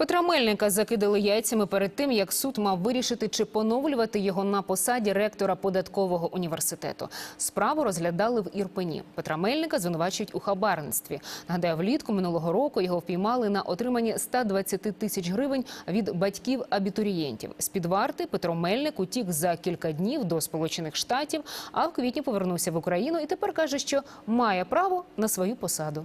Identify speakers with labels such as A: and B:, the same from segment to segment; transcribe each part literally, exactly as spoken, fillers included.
A: Петра Мельника закидали яйцями перед тим, як суд мав вирішити, чи поновлювати його на посаді ректора податкового університету. Справу розглядали в Ірпені. Петра Мельника звинувачують у хабарництві. Нагадаю, влітку минулого року його впіймали на отриманні ста двадцяти тисяч гривень від батьків абітурієнтів. З-під варти Петро Мельник утік за кілька днів до Сполучених Штатів, а в квітні повернувся в Україну і тепер каже, що має право на свою посаду.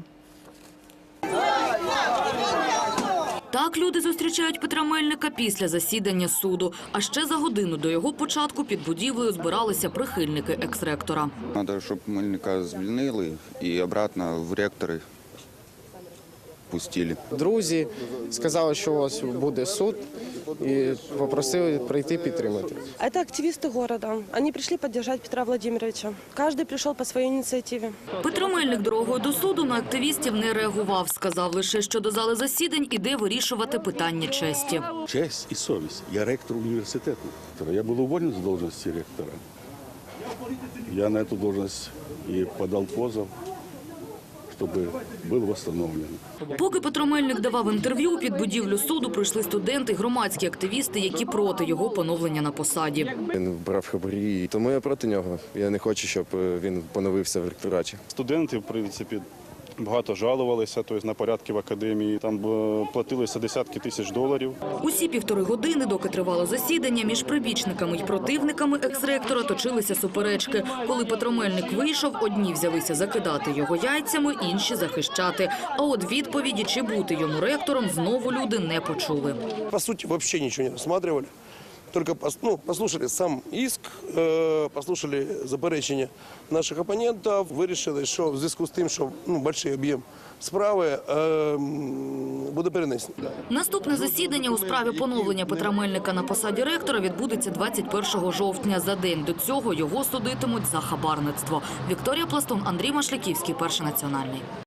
B: Так люди зустрічають Петра Мельника після засідання суду. А ще за годину до його початку під будівлею збиралися прихильники екс-ректора.
C: Треба, щоб Мельника звільнили і обратно в ректори пустили.
D: Друзі сказали, що ось буде суд, і попросили прийти підтримати.
E: Это активисты города. Они пришли поддержать Петра Владимировича. Каждый пришел по своей инициативе.
B: Петро Мельник дорогою до суду на активістів не реагував. Сказав лише, що до зали засідань іде вирішувати питання честі.
F: Честь і совість. Я ректор університету. Я був уволений з должності ректора. Я на цю должность і подав позов, щоб був встановлений.
B: Поки Петро Мельник давав інтерв'ю, під будівлю суду прийшли студенти, громадські активісти, які проти його поновлення на посаді.
D: Він брав хабарі, тому я проти нього. Я не хочу, щоб він поновився в ректораті.
G: Студенти, в принципі, багато жалувалися, тобто на порядки в академії. Там платилися десятки тисяч доларів.
B: Усі півтори години, доки тривало засідання, між прибічниками й противниками екс-ректора точилися суперечки. Коли Петро Мельник вийшов, одні взялися закидати його яйцями, інші захищати. А от відповіді, чи бути йому ректором, знову люди не почули.
H: По суті, взагалі нічого не розглядали. Только ну, послушали сам иск, э, послушали заперечення наших опонентів, вирішили, що в зв'язку з тим, що ну, великий об'єм справи э, буде перенесений.
B: Наступне засідання у справі поновлення Петра Мельника на посаді ректора відбудеться двадцять першого жовтня. За день до цього його судитимуть за хабарництво. Вікторія Пластун, Андрій Машляківський, Перший національний.